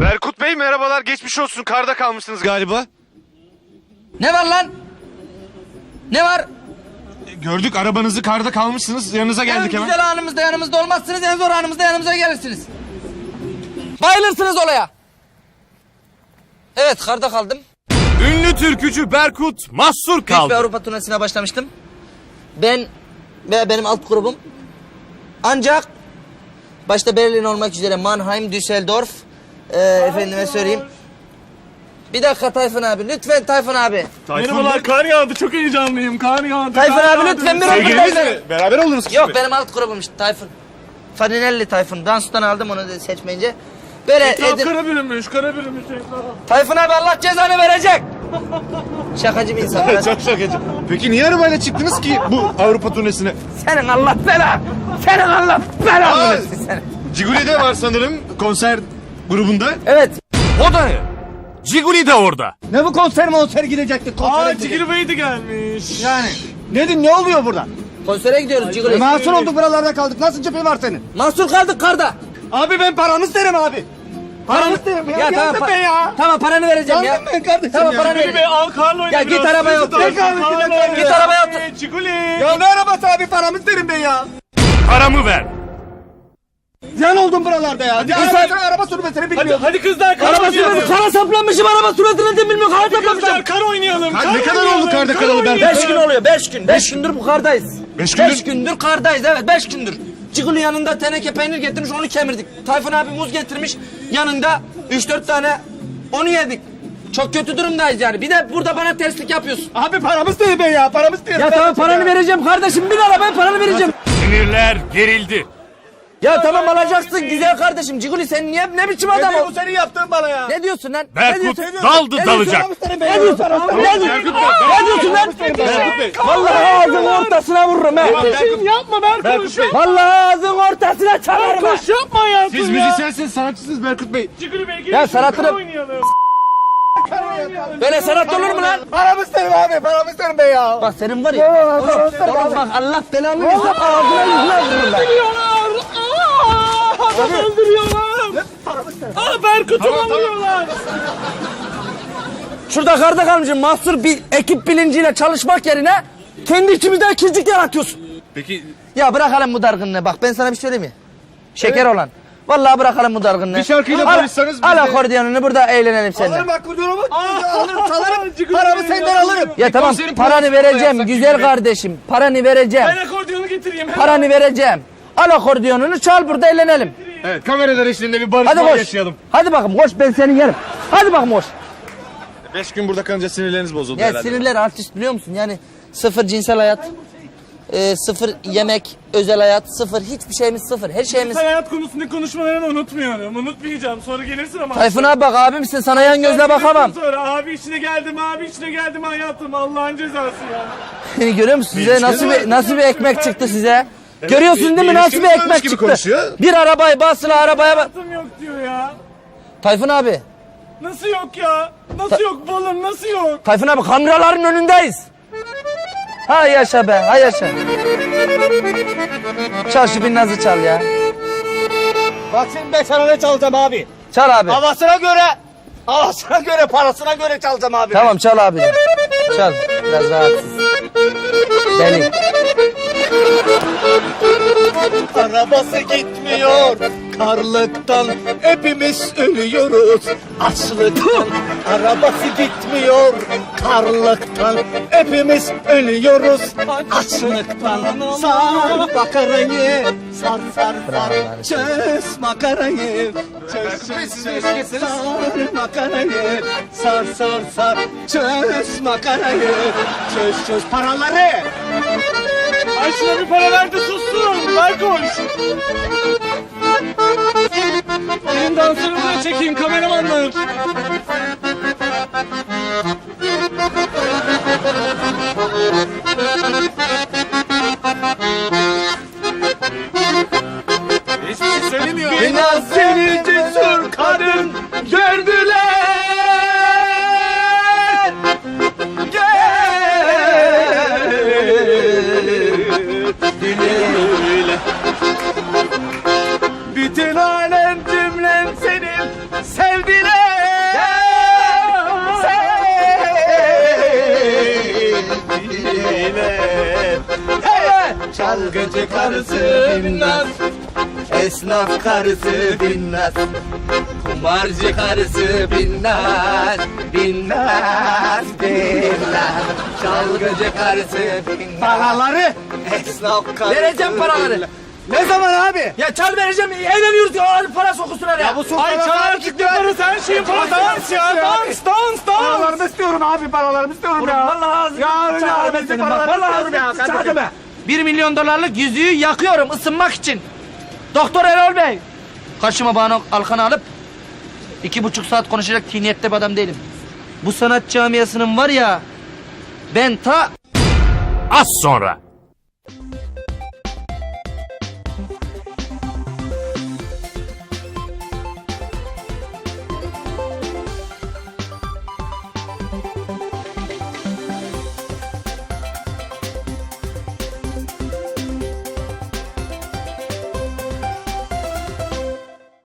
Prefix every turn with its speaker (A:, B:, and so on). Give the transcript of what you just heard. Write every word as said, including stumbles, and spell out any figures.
A: Berkut Bey merhabalar, geçmiş olsun, karda kalmışsınız galiba.
B: Ne var lan? Ne var?
A: Gördük arabanızı, karda kalmışsınız, yanınıza geldik
B: En
A: hemen.
B: güzel anımızda yanımızda olmazsınız, en zor anımızda yanımıza gelirsiniz. Bayılırsınız olaya. Evet, karda kaldım.
C: Ünlü türkücü Berkut mahsur
B: Büyük bir
C: kaldı.
B: Avrupa turnesine başlamıştım. Ben ve benim alt grubum. Ancak başta Berlin olmak üzere Mannheim, Düsseldorf, e, efendime söyleyeyim. Bir dakika Tayfun abi, lütfen Tayfun abi.
D: Merhabalar, kar yağdı. Çok heyecanlıyım. Kar yağdı.
B: Tayfun
D: kar
B: abi
D: yağdı.
B: lütfen bir
A: Sevgiliniz
B: röportaj
A: mi? Beraber oldunuz kız
B: Yok
A: mı?
B: benim alt grubum işte Tayfun. Farinelli Tayfun. Dans'tan aldım onu da seçmeyince. Böyle
D: Etraf
B: Edir...
D: kara bürünmüş, kara bürünmüş etraf.
B: Tayfun abi Allah cezanı verecek. Şakacı bir insan. biraz.
A: Çok şakacı. Peki niye arabayla çıktınız ki bu Avrupa turnesine?
B: Senin Allah bela. Senin Allah bela.
A: Aa,
B: versin seni.
A: Ciguli'de var sanırım konser grubunda.
B: Evet.
C: O da ne? Ciguli de orada.
E: Ne bu konser monser gidecektik konsere
D: Aa,
E: gidecektik.
D: Cigiri Bey de gelmiş.
E: Yani. Nedir ne oluyor burada?
B: Konsere gidiyoruz Ciguli.
E: E, mahsur olduk buralarda kaldık. Nasıl cephe var senin?
B: Mahsur kaldık karda.
E: Abi ben paramı isterim abi. Paramı isterim ya.
B: Ya tamam,
E: Yandım
B: pa-
E: ben ya.
B: tamam paranı vereceğim ya.
E: Yandım ben kardeşim
B: Tamam,
E: ya.
B: paranı
D: Cigiri Bey
B: vereceğim.
D: al karla oyna
B: Ya git
D: biraz.
B: arabaya
D: Sizi
B: otur.
D: de
E: Git arabaya
D: karla
E: otur.
D: oyna.
B: Git arabaya otur.
D: Ciguli.
E: Ya ne arabası abi paramı isterim ben ya.
C: Paramı ver.
E: Ziyan oldum buralarda ya. Ya
B: sen-
E: araba, araba sürmesini
D: Hadi,
E: bilmiyorum.
D: hadi kızlar kar
B: Araba
D: oynayalım.
B: süresi kara saplanmışım araba suratını da bilmiyorum kara
D: Kızlar
B: saplanmışım.
D: kar oynayalım.
A: Ka-
D: kar
A: ne kadar
D: oynayalım,
A: oldu karda
D: kar
A: kalalı Berkut?
D: oynayalım.
B: Beş gün oluyor beş gün. Beş gündür bu kardayız.
A: Beş gündür?
B: Beş gündür kardayız evet beş gündür. Ciguli yanında teneke peynir getirmiş onu kemirdik. Tayfun abi muz getirmiş yanında üç dört tane onu yedik. Çok kötü durumdayız yani. Bir de burada bana terslik yapıyorsun.
E: Abi paramı isterim ben ya. Paramı isterim.
B: Ya tamam
E: kardeşim
B: paranı
E: ya.
B: vereceğim kardeşim. Bin arabaya paranı vereceğim.
C: Sinirler gerildi.
B: Ya tamam alacaksın güzel kardeşim. Ciguli sen niye ne biçim adam
E: Nedir
B: o?
E: bu senin yaptığın bana ya?
B: Ne diyorsun lan?
C: Berkut
B: ne diyorsun?
C: daldı
B: Ne
C: dalacak.
E: Paramı isterim ben
B: Ne
E: ya.
B: diyorsun?
E: Paramı isterim.
B: Ne diyorsun? Ne diyorsun lan?
A: Berkut Bey.
B: Vallahi ağzının ortasına vururum he.
D: Yapma Berkut.
B: Vallahi ağzının ortasına çalarım ha.
D: Koş yapma hayatım
A: Siz
D: ya.
A: müzisyensiniz, sanatçısınız Berkut Bey.
D: Cigiri Bey gelin.
B: Ya
D: şurada
B: sanatını-
D: kar oynayalım.
B: Böyle sanat olur mu lan?
E: Paramı isterim abi. Paramı isterim ben ya.
B: Bak senin var ya. Oğlum bak Allah belanı versin ağzına yüzüne vururum ben.
D: Öldürüyorlar. Aa, adam öldürüyorlar. Aa, Berkut'u alıyorlar.
B: Şurada karda kalmışım mahsur bir ekip bilinciyle çalışmak yerine kendi içimizde ikizlik yaratıyorsun.
A: Peki
B: Ya bırakalım bu dargınlığı bak ben sana bir söyleyeyim mi? Şeker olan. Vallahi bırakalım bu dargınlığı.
A: Bir şarkıyla
B: Al-
A: barışsanız biz
B: Al
A: de-
B: akordiyonunu burada eğlenelim seninle.
E: Alırım bak bu durumu. Alırım
D: Aa,
E: çalarım.
D: Ciguli
E: Paramı
D: Bey
E: senden
D: ya.
E: alırım.
B: Ya tamam
A: konserin
B: paranı
A: parasını da
B: vereceğim
A: yapsak
B: güzel
A: şimdi.
B: kardeşim. Paranı vereceğim.
D: Ben akordiyonu getireyim. hemen.
B: Paranı vereceğim. Al akordiyonunu çal burada eğlenelim.
A: evet, kameralar eşliğinde bir
B: Hadi
A: barışma
B: koş.
A: yaşayalım.
B: Hadi bakayım koş ben seni yerim. Hadi bakayım koş.
A: Beş gün burada kalınca sinirleriniz bozuldu
B: Ya
A: herhalde.
B: sinirler artist biliyor musun? Yani sıfır cinsel hayat, e, sıfır yemek, özel hayat, sıfır hiçbir şeyimiz sıfır. Her şeyimiz...
D: Sen hayat konusunda konuşmalarını unutmuyorum. Unutmayacağım. Sonra gelirsin ama.
B: Tayfun abi bak abimsin sana yan gözle bakamam.
D: Sonra abi içine geldim, abi içine geldim hayatım. Allah'ın cezası ya.
B: Beni görüyor musun? Size nasıl bir, nasıl bir ekmek çıktı size?
A: Evet,
B: Görüyorsun
A: bir-
B: değil mi?
A: bir
B: Nasıl bir
A: ilişkimiz
B: ekmek
A: varmış gibi
B: çıktı?
A: konuşuyor.
B: Bir arabayı basılı arabaya bak.
D: Hayatım yok diyor ya.
B: Tayfun abi.
D: Nasıl yok ya? Nasıl yok balım, nasıl yok?
B: Tayfun abi kameraların önündeyiz. Ha yaşa be, ha yaşa. Çal şu bir nazı çal ya.
E: Bak şimdi ben sana ne çalacağım abi.
B: Çal abi.
E: Havasına göre, havasına göre, parasına göre çalacağım abi.
B: Tamam çal abi. Çal. Biraz rahatsız. Deli.
E: Arabası gitmiyor karlıktan, hepimiz ölüyoruz açlıktan. Arabası gitmiyor karlıktan, hepimiz ölüyoruz açlıktan. Sar makarayı, sar sar sar, çöz makarayı, çöz çöz çöz, sar makarayı, sar sar sar, çöz makarayı, çöz çöz paraları.
D: Ay şuna bir para ver de sussun. Ver koş. Benim danslarımı da çekeyim kameramanlar.
A: Hiçbir şey söylemiyor.
E: Biraz seni cesur kadın gördüler. Gel. Bütün alem cümlem senin sevdiğin.
B: binnaz. Esnaf karısı binnaz. Kumarcı karısı binnaz. Binnaz binnaz. Çalgıcı karısı binnaz.
E: Paraları.
B: Esnaf karısı
E: Vereceğim paraları.
B: binnaz.
E: Ne zaman abi? Ya çal vereceğim. Evleniyoruz ya. Para sokusunlar ya.
A: bu
D: Ay çağır çıktı parası her şeyin parası. Dans ya dans dans dans.
E: Paralarımı istiyorum abi. Paralarımı istiyorum ya. Vallahi
D: Ya
E: çağır ben senin bak. Vallahi istiyorum ya. Çağır be. Bir milyon dolarlık yüzüğü yakıyorum ısınmak için. Doktor Erol Bey.
B: Karşıma bana Alkan'ı alıp iki buçuk saat konuşacak tiniyette bir adam değilim. Bu sanat camiasının var ya, ben ta
C: Az sonra.